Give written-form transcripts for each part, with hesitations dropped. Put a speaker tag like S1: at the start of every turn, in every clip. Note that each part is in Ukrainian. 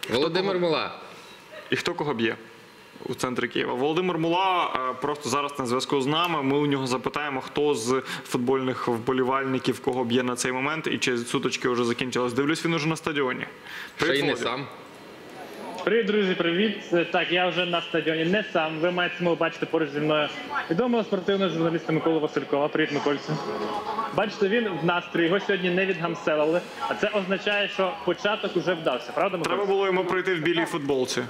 S1: Володимир Мула.
S2: І хто кого б'є у центрі Києва? Володимир Мула просто зараз на зв'язку з нами. Ми у нього запитаємо, хто з футбольних вболівальників кого б'є на цей момент і чи сутички вже закінчились. Дивлюсь, він уже на стадіоні.
S1: Ще й не
S2: Володя.
S1: сам.
S3: Привіт, друзі, привіт. Так, я вже на стадіоні не сам. Ви маєте змогу бачити поруч зі мною відомого спортивного журналіста Миколу Василькова. Привіт, Микольцю. Бачите, він в настрої, його сьогодні не відгамселили. А це означає, що початок уже вдався, правда, Микольцю?
S2: Треба було йому прийти в білій футболці.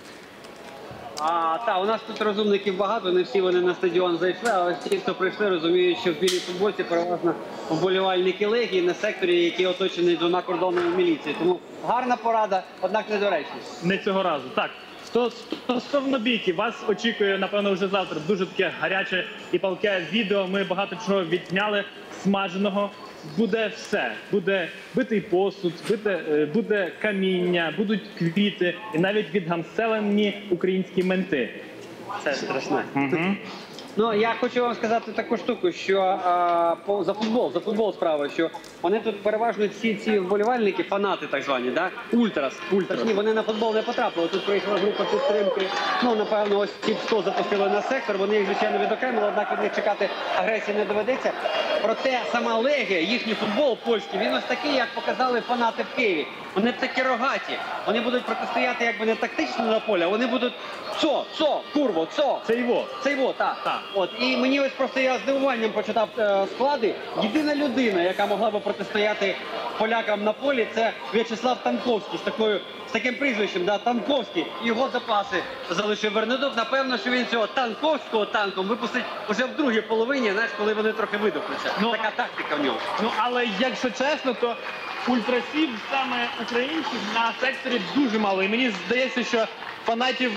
S4: Так, у нас тут розумників багато, не всі вони на стадіон зайшли, але ті, хто прийшли, розуміють, що в білій футболці переважно вболівальники Легії на секторі, який оточений двома кордонами міліції. Тому гарна порада, однак недоречна.
S3: Не цього разу. Так, стосовно бійки, вас очікує, напевно, вже завтра дуже таке гаряче і палке відео. Ми багато чого відняли смаженого. Буде все. Буде битий посуд, буде каміння, будуть квіти і навіть відгамселені українські менти.
S4: Це страшне. Ну, я хочу вам сказати таку штуку, що за футбол справа, що вони тут переважно всі ці вболівальники, фанати так звані, да? Ультрас. Точні, вони на футбол не потрапили. Тут приїхала група підтримки. Ну, напевно, ось ці 100 запустили на сектор. Вони їх, звичайно, відокремили, однак від них чекати агресії не доведеться. Проте сама Легія, їхній футбол польський, він ось такий, як показали фанати в Києві. Вони такі рогаті. Вони будуть протистояти якби не тактично на полі, а вони будуть курво.
S3: Це його.
S4: Так. От, і мені ось просто я з здивуванням почитав склади. Єдина людина, яка могла би протистояти полякам на полі, це В'ячеслав Танковський з таким прізвищем, да, Танковський. Його запаси залишив Вернедуб. Напевно, що він цього Танковського танком випустить уже в другій половині, знаєш, коли вони трохи видохнуться. Така тактика в нього.
S3: Ну, але якщо чесно, то ультрасів саме українців на секторі дуже мало. І мені здається, що фанатів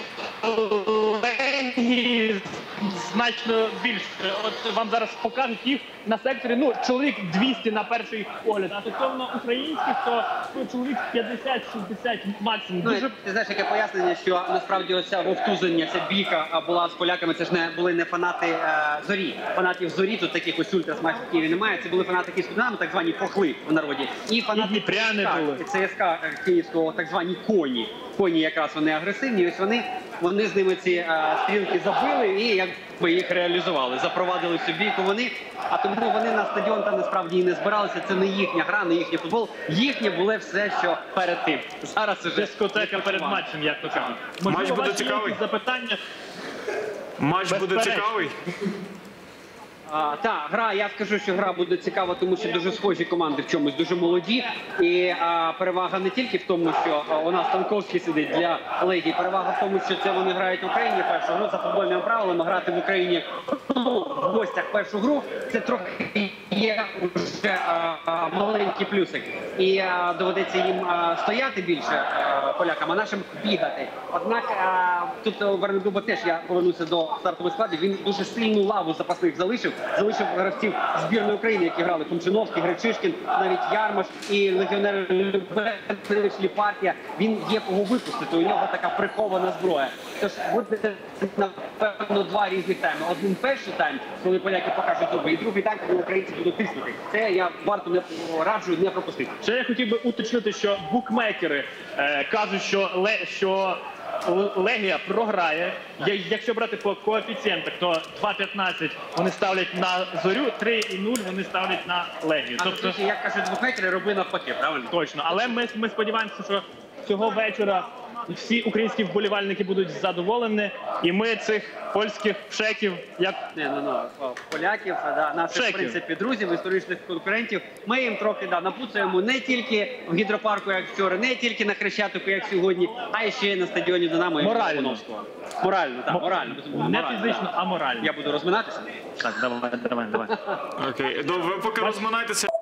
S3: Легії значно більше. От вам зараз покажуть їх на секторі, ну, чоловік 200 на перший погляд. А стосовно українських, то чоловік 50-60 максимум.
S4: Ну, ти знаєш, яке пояснення, що насправді ось ця вовтузання, ця бійка була з поляками, це ж були не фанати Зорі. Фанатів Зорі, тут таких ось ультрас майже в Києві немає, це були фанати Київського Динамо, так звані похли в народі. І фанати
S3: Дніпряни були.
S4: ЦСКА Київського, так звані коні. Коні якраз вони агресивні, ось вони з ними ці стрілки забили і якби їх реалізували, запровадили цю бійку вони, а тому вони на стадіон там насправді і не збиралися, це не їхня гра, не їхній футбол, їхнє було все, що перед тим. Зараз уже
S3: дискотека перед матчем, як то кажуть.
S2: Матч буде цікавий?
S3: Запитання?
S2: Матч буде цікавий?
S4: Так, я скажу, що гра буде цікава, тому що дуже схожі команди в чомусь, дуже молоді. І перевага не тільки в тому, що у нас Танковський сидить для Легії, перевага в тому, що це вони грають в Україні першу гру за футбольними правилами, грати в Україні в гостях першу гру, це трохи є вже маленький плюсик. І доведеться їм стояти більше полякам, а нашим бігати. Однак тут у Вернедуба теж, я повернуся до стартових складів, він дуже сильну лаву запасних залишив гравців збірної України, які грали Кумчиновський, Гречишкін, навіть Ярмаш і легіонер Любенич, Ліпартія. Він є кого випустити, у нього така прихована зброя. Тож буде, напевно, два різних тайми. Один перший тайм, коли поляки покажуть зуби, і другий тайм, коли українці будуть тиснути. Це я раджу не пропустити.
S3: Ще я хотів би уточнити, що букмекери кажуть, що Легія програє. Якщо брати по коефіцієнтах, то 2,15 вони ставлять на Зорю, 3,0 вони ставлять на Легію.
S4: Тобто, як кажуть букмекери, роби навпаки, правильно?
S3: Точно. Але ми сподіваємося, що цього вечора всі українські вболівальники будуть задоволені, і ми цих польських пшеків, як...
S4: поляків, наших, в принципі, друзів, історичних конкурентів, ми їм трохи напуцаємо не тільки в гідропарку, як вчора, не тільки на Хрещатику, як сьогодні, а ще й на стадіоні Динамо і Лобановського. Морально, так, морально.
S3: Не фізично, а морально.
S4: Я буду розминатися?
S3: Так, давай.
S2: Окей, ви поки розминайтеся.